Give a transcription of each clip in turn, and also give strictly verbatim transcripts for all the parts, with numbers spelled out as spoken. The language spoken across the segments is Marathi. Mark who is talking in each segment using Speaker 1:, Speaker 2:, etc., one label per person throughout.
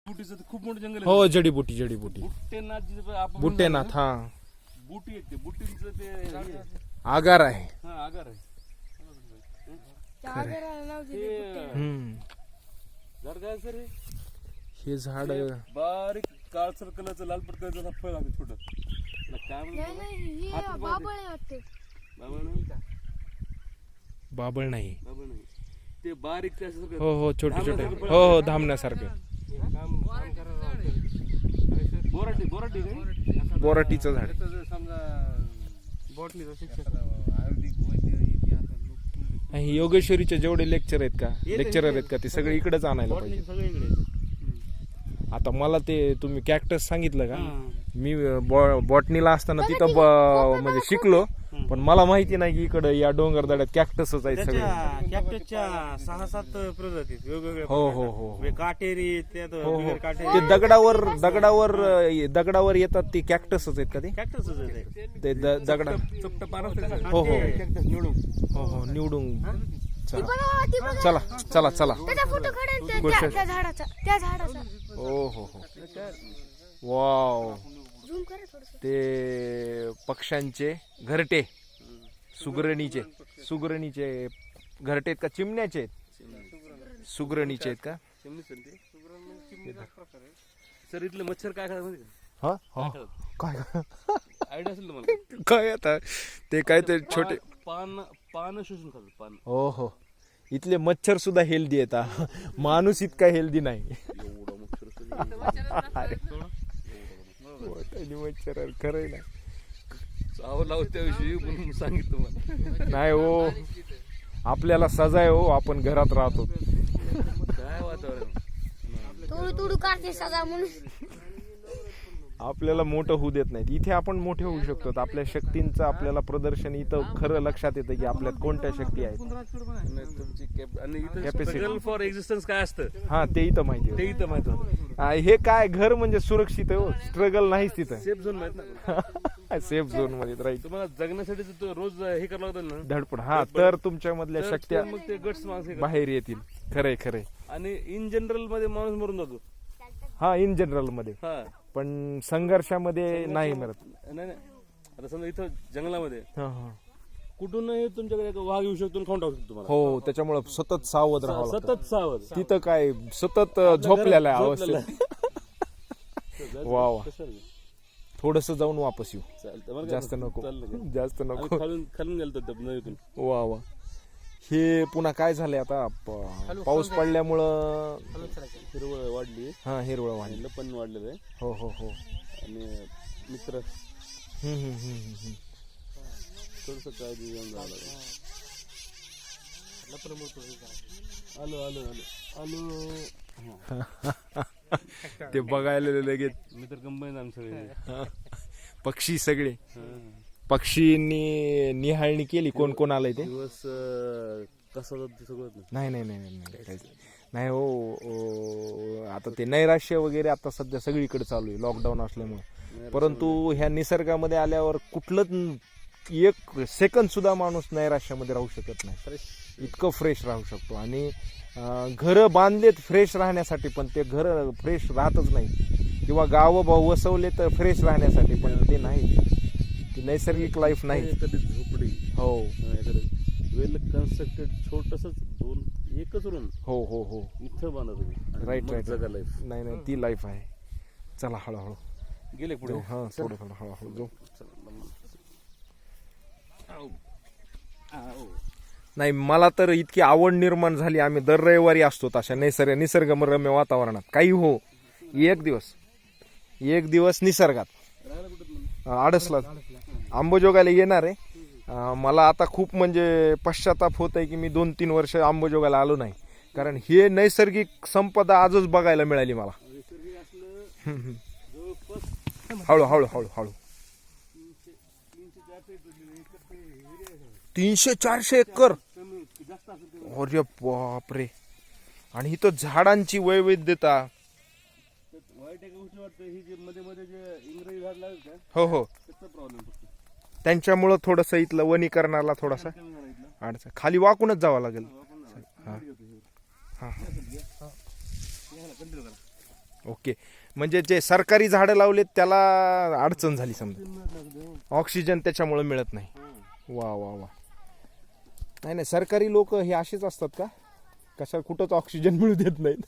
Speaker 1: बुटीचं तर खूप मोठं जंगल
Speaker 2: हो जडीबुटी जडीबुटी
Speaker 1: बुट्टेनाथ जिथं आपण
Speaker 2: बुट्टेनाथ हा
Speaker 1: बुटी आहेत ते बुटींचं ते हे.
Speaker 2: आगार आहे.
Speaker 1: हा आगार आहे
Speaker 2: हम्म
Speaker 1: झाड काय सर
Speaker 2: हे झाड
Speaker 1: बारीक काळसर कलरचं लाल पडकं फळ लागतं छोटं काय म्हणतात बाबळ नाही
Speaker 2: बाबळ नाही.
Speaker 1: बाबळ नाही ते बारीक ते असं
Speaker 2: हो हो छोटे छोटे हो हो धामण्यासारखं
Speaker 1: बोराटी बोराटी काय
Speaker 2: बोराटीचं झाड.
Speaker 1: समजा बॉटलीचं शिक्षक
Speaker 2: हे योगेश्वरीचे जेवढे लेक्चर आहेत का लेक्चरर आहेत का ते सगळे इकडेच आणायला पाहिजे.
Speaker 1: सगळे इकडे
Speaker 2: आता मला ते तुम्ही कॅक्टस सांगितलं का मी बॉटनीला असताना तिथं ब- म्हणजे शिकलो पण मला माहिती नाही की इकडे या डोंगरदड्यात कॅक्टसच आहेत सगळे.
Speaker 3: कॅक्टसच्या सहा सात प्रजाती वेगवेगळ्या
Speaker 2: हो हो हो
Speaker 3: प्रकारच्या. काटेरी त्यात
Speaker 2: हो हो
Speaker 3: बिगर काटेरी
Speaker 2: ते दगडावर दगडावर दगडावर येतात ते कॅक्टसच आहेत का ते
Speaker 3: कॅक्टसच आहे ते.
Speaker 2: ते द- दगडा
Speaker 1: चपट पार असते
Speaker 2: हो हो
Speaker 3: कॅक्टस निवडून
Speaker 2: हो हो निवडून चला चला चला चला
Speaker 4: त्याचा फोटो काढेल त्या-
Speaker 2: गोष्ट-
Speaker 4: त्या त्या झाडाचा त्या झाडाचा
Speaker 2: हो हो हो वाव
Speaker 4: झूम करा थोडस.
Speaker 2: ते पक्ष्यांचे घरटे सुगरणीचे सुगरणीचे घरटे आहेत का चिमण्याचे आहेत सुगरणीचे आहेत का
Speaker 1: सर इथलं मच्छर काय खात माहिती का
Speaker 2: हा हा काय
Speaker 1: आयडिया असेल तुम्हाला
Speaker 2: काय आता ते काय ते छोटे
Speaker 1: पान पान शोषून खातात पान
Speaker 2: हो हो इथले मच्छर सुद्धा हेल्दी आहेत हा. माणूस इतका हेल्दी नाही.
Speaker 1: एवढा मच्छर
Speaker 2: अरे मच्छर खरंय ना
Speaker 1: चाव लाव त्याविषयी म्हणून सांगितलं मला
Speaker 2: नाही हो आपल्याला सजा आहे हो आपण घरात राहतो.
Speaker 1: काय वातावरण
Speaker 4: तोडू तोडू काढते सजा म्हणून.
Speaker 2: आपल्याला मोठं होऊ देत नाहीत. इथे आपण मोठे होऊ शकतो. आपल्या शक्तींचं आपल्याला प्रदर्शन इथं खरं लक्षात येतं की आपल्यात कोणत्या शक्ती आहेत.
Speaker 1: तुमची कॅप आणि इथं
Speaker 2: Capacity.
Speaker 1: स्ट्रगल फॉर एक्झिस्टन्स काय असतं
Speaker 2: हा ते इथं माहिती
Speaker 1: ते
Speaker 2: होतं.
Speaker 1: इथं माहित होतं
Speaker 2: हा, हे काय घर म्हणजे सुरक्षित आहे हो स्ट्रगल नाहीच तिथं.
Speaker 1: सेफ झोन माहित ना
Speaker 2: सेफ झोन मध्ये राहील
Speaker 1: तुम्हाला जगण्यासाठी तो रोज हे करावं लागतं ना
Speaker 2: धडपड. हा तर तुमच्या मधल्या
Speaker 1: तर-
Speaker 2: शक्त्या
Speaker 1: तर मग ते गट्स माणसं हे करतात.
Speaker 2: बाहेर येतील. खरंय खरंय.
Speaker 1: आणि इन जनरल मध्ये माणूस मरून जातो
Speaker 2: हा इन जनरल मध्ये
Speaker 1: हा
Speaker 2: पण संघर्षामध्ये नाही मरत.
Speaker 1: नाही नाही आता समजा इथं जंगलामध्ये
Speaker 2: हा, हा.
Speaker 1: कुठूनही तुमच्याकडे एक वाघ येऊ शकतो आणि खाऊन टाकू शकतो तुम्हाला
Speaker 2: हो त्याच्यामुळे सतत सावध राहावं लागतं.
Speaker 1: सतत सावध
Speaker 2: तिथं काय सतत झोपलेला आहे
Speaker 1: झोपलेला
Speaker 2: अवस्थेत. वा वा थोडस जाऊन वापस येऊ.
Speaker 1: चालतं बरं का?
Speaker 2: जास्त नको
Speaker 1: चाललं
Speaker 2: जास्त
Speaker 1: आम्ही
Speaker 2: नको.
Speaker 1: खालून खालून गेलो होतो नदीतून
Speaker 2: वा वा हे पुन्हा काय झालंय आता प- पाऊस पडल्यामुळं
Speaker 1: हिरवळ वाढली
Speaker 2: हा हिरवळ वाढली.
Speaker 1: आणि पण वाढलेलं आहे
Speaker 2: हो हो हो
Speaker 1: आणि मित्र
Speaker 2: हम्म, हम्म, हम्म, हम्म.
Speaker 1: थोडस काळजी घेऊन जावं लागेल. आलो आलो आलो आलो
Speaker 2: ते बघायला लगेच
Speaker 1: मित्र कंबाईन आमचं सगळे
Speaker 2: पक्षी सगळे
Speaker 1: हा.
Speaker 2: पक्षींनी निहाळणी केली कोण कोण आलंय ते.
Speaker 1: दिवस अं, कसा जातो ते सगळं
Speaker 2: नाही नाही नाही नाही नाही काहीच नाही हो ओ, आता ते नैराश्य वगैरे आता सध्या सगळीकडे चालू आहे लॉकडाऊन असल्यामुळे. परंतु ह्या निसर्गामध्ये आल्यावर कुठलंच एक सेकंद सुद्धा माणूस नैराश्यामध्ये राहू शकत नाही. इतकं फ्रेश राहू शकतो. आणि घर बांधलेत फ्रेश राहण्यासाठी पण ते घर फ्रेश राहतच नाही. किंवा गावं भाऊ वसवले तर फ्रेश राहण्यासाठी पण ते नाही. ती नैसर्गिक लाईफ नाही.
Speaker 1: कधी झोपडी
Speaker 2: हो
Speaker 1: वेल कन्स्ट्रक्टेड छोटस दोन एकच रूम
Speaker 2: हो हो हो
Speaker 1: इथं बांधा तुम्ही
Speaker 2: राईट राईट
Speaker 1: जगा लाईफ
Speaker 2: नाही नाही ती लाईफ आहे. चला हळूहळू
Speaker 1: गेले पुढे
Speaker 2: जाऊ. हा थोडं थोडं हळूहळू जाऊ. नाही मला तर इतकी आवड निर्माण झाली. आम्ही दर रविवारी असतो अशा निसर्ग निसर्गरम्य वातावरणात. काही हो एक दिवस एक दिवस निसर्गात आडसला आंबोजोगाला येणार आहे. मला आता खूप म्हणजे पश्चाताप होत आहे की मी दोन तीन वर्ष आंबोजोगाला आलो नाही. कारण हे नैसर्गिक संपदा आजच बघायला मिळाली मला. हळू हळू हळू हळू तीनशे चारशे एकर. अरे बापरे. आणि इथं झाडांची वैविध्यता.
Speaker 1: वाईट एक गोष्ट वाटतं ही जे मध्ये मध्ये जे इंग्रजी झाड लागेल का
Speaker 2: हो हो
Speaker 1: त्याचा प्रॉब्लेम फक्त
Speaker 2: त्यांच्यामुळं थोडस इथलं वनीकरणाला थोडासा अडचण. खाली वाकूनच जावं लागेल. हा हा ओके, म्हणजे जे सरकारी झाडं लावलेत त्याला अडचण झाली समजा, ऑक्सिजन त्याच्यामुळे मिळत नाही. वा वा वा. नाही नाही, सरकारी लोक हे असेच असतात का, कशा कुठंच ऑक्सिजन मिळू देत नाहीत.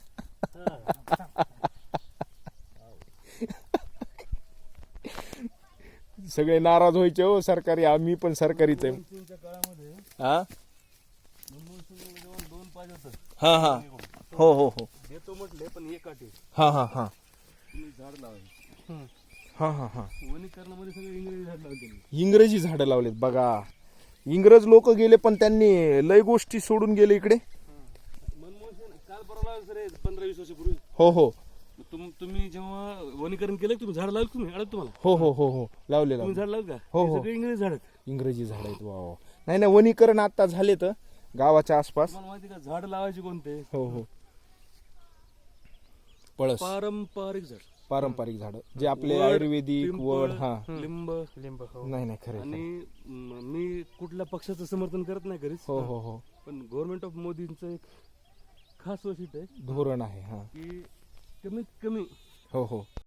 Speaker 2: सगळे नाराज व्हायचे हो सरकारी, आम्ही पण सरकारीच आहे.
Speaker 1: मनमोहनसिंगच्या काळामध्ये
Speaker 2: हा
Speaker 1: मनमोहनसिंग जेव्हा दोन पाहिजे होतं
Speaker 2: हा हा हो हो हो
Speaker 1: देतो म्हटले, पण एक अट आहे,
Speaker 2: हा हा हा
Speaker 1: तुम्ही झाड लावायचे.
Speaker 2: हा हा हा
Speaker 1: वनीकरणामध्ये सगळे इंग्रजी झाड लावले त्यांनी.
Speaker 2: इंग्रजी झाडं लावलेत बघा. इंग्रज लोक गेले पण त्यांनी लय गोष्टी सोडून गेले इकडे.
Speaker 1: मनमोहनसिंग काल परवा लावले सर, पंधरा वीस वर्षापूर्वी.
Speaker 2: हो हो
Speaker 1: तुम तुम्ही जेव्हा वनीकरण केलं, तुम्ही झाड लावलं, तुम्ही आलं तुम्हाला
Speaker 2: हो हो हो हो लावले
Speaker 1: तुम्ही
Speaker 2: लावले
Speaker 1: झाड लावलं का?
Speaker 2: हो,
Speaker 1: हे
Speaker 2: हो.
Speaker 1: सगळे इंग्रजी झाड आहेत.
Speaker 2: इंग्रजी झाड आहेत. वा वा. नाही नाही, वनीकरण आता झाले तर गावाच्या आसपास.
Speaker 1: तुम्हाला माहिती का झाड लावायचे कोणते?
Speaker 2: हो हो पळस,
Speaker 1: पारंपरिक झाड,
Speaker 2: पारंपरिक झाड जे आपले
Speaker 1: वड,
Speaker 2: आयुर्वेदिक
Speaker 1: पिंपळ,
Speaker 2: वड. हा
Speaker 1: लिंब.
Speaker 3: लिंब हो.
Speaker 2: नाही नाही खरं
Speaker 1: आणि म- मी कुठल्या पक्षाचं समर्थन करत नाही घरीच,
Speaker 2: हो हो हो
Speaker 1: पण गव्हर्नमेंट ऑफ मोदींचं एक खास वैशिष्ट्य आहे
Speaker 2: धोरण आहे. हा
Speaker 1: की कमीत कमी
Speaker 2: हो हो